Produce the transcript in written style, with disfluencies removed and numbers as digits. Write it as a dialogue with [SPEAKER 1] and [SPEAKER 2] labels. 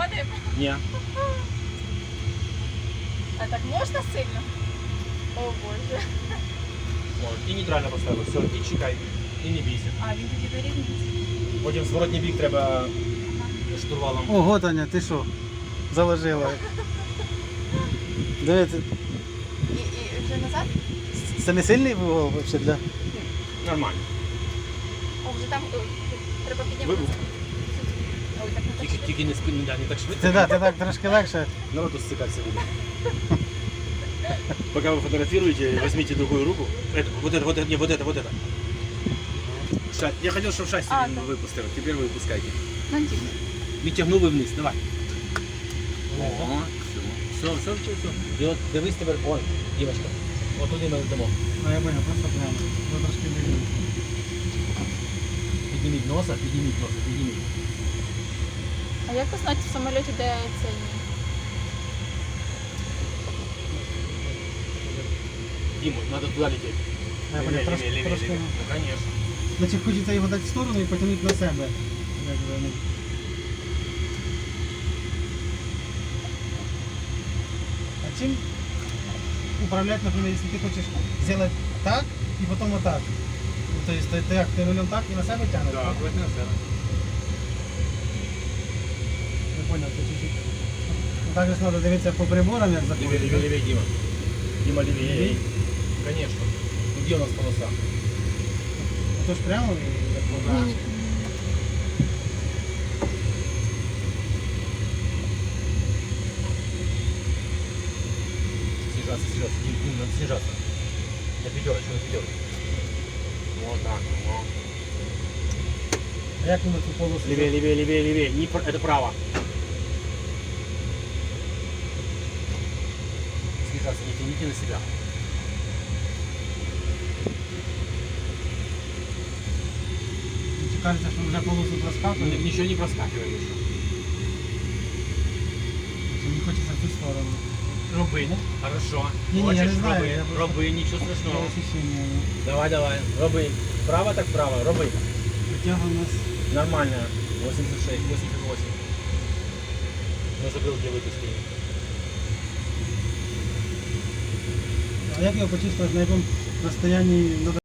[SPEAKER 1] Вадим,
[SPEAKER 2] Ні.
[SPEAKER 1] а так можна сильно? О боже.
[SPEAKER 2] О, і нейтрально поставили. Все, і чекай. І не бійся.
[SPEAKER 1] А він тоді вирівнюється.
[SPEAKER 2] Потім зворотній бік треба штурвалом.
[SPEAKER 3] Ого, Таня, ти що? Заложила. Дивіться,
[SPEAKER 1] І вже назад?
[SPEAKER 3] це не сильний вугол взагалі для...
[SPEAKER 2] Нормально.
[SPEAKER 1] О, вже там треба піднімати.
[SPEAKER 2] Вибух.
[SPEAKER 1] Ой, так не так.
[SPEAKER 2] Тільки не спину, не так швидко.
[SPEAKER 3] Ти так трошки легше.
[SPEAKER 2] Народу ссыкаться будет. Пока вы фотографируете, возьмите другую руку. Это, вот это, не, вот это. Я хотел, чтобы шасси
[SPEAKER 1] А,
[SPEAKER 2] не
[SPEAKER 1] да.
[SPEAKER 2] выпустил. Теперь вы выпускайте.
[SPEAKER 1] Ну, тільки.
[SPEAKER 2] Відтягнули вниз, давай. О, все. Дивись тепер, ой, дівчинка. От туди ми йдемо.
[SPEAKER 3] А я понял, просто прямо. Ви трошки вийдемо.
[SPEAKER 2] Підніміть носа, підніміть.
[SPEAKER 1] А як узнати в самоліті, де цей?
[SPEAKER 2] Диму, надо туда лететь.
[SPEAKER 3] Я понял, трошки.
[SPEAKER 2] Ну, конечно.
[SPEAKER 3] Значить, хочеться його дати в сторону і потягнути на себе. Якби, ну. А чим управлять, например, если ты хочешь сделать так и потом вот так? Ну, то есть ты рулем так и на себя тянешь?
[SPEAKER 2] Да, аккуратно на себя.
[SPEAKER 3] Я понял, ты чуть-чуть. Ну, так же надо дивитися по приборам, як заходить.
[SPEAKER 2] Левее, Дима. Дима, левее.
[SPEAKER 3] Левее?
[SPEAKER 2] Конечно. Ну, где у нас полоса?
[SPEAKER 3] А то ж прямо і як вода.
[SPEAKER 1] Ні.
[SPEAKER 2] Снижаться. Дим, надо снижаться. На пятерочку. Вот так. Вот.
[SPEAKER 3] А як ми на цю полосу?
[SPEAKER 2] Левее. Это право. Снижаться, не тяните на себя.
[SPEAKER 3] Чи кажеться, що вже полосу проскакує?
[SPEAKER 2] Ничего не проскакиваем еще.
[SPEAKER 3] Чи не хочеться в цю сторону?
[SPEAKER 2] Роби. Хорошо.
[SPEAKER 3] Не, я
[SPEAKER 2] Хочешь,
[SPEAKER 3] не знаю,
[SPEAKER 2] роби.
[SPEAKER 3] я просто-
[SPEAKER 2] Роби, ничего
[SPEAKER 3] Таке
[SPEAKER 2] страшного.
[SPEAKER 3] ощущення.
[SPEAKER 2] Давай. Роби. Право так право. Роби.
[SPEAKER 3] Витягуємо нас.
[SPEAKER 2] Нормально. 86, 88. Но забыл, где выпуски.
[SPEAKER 3] А як його почистити, на якому розстоянні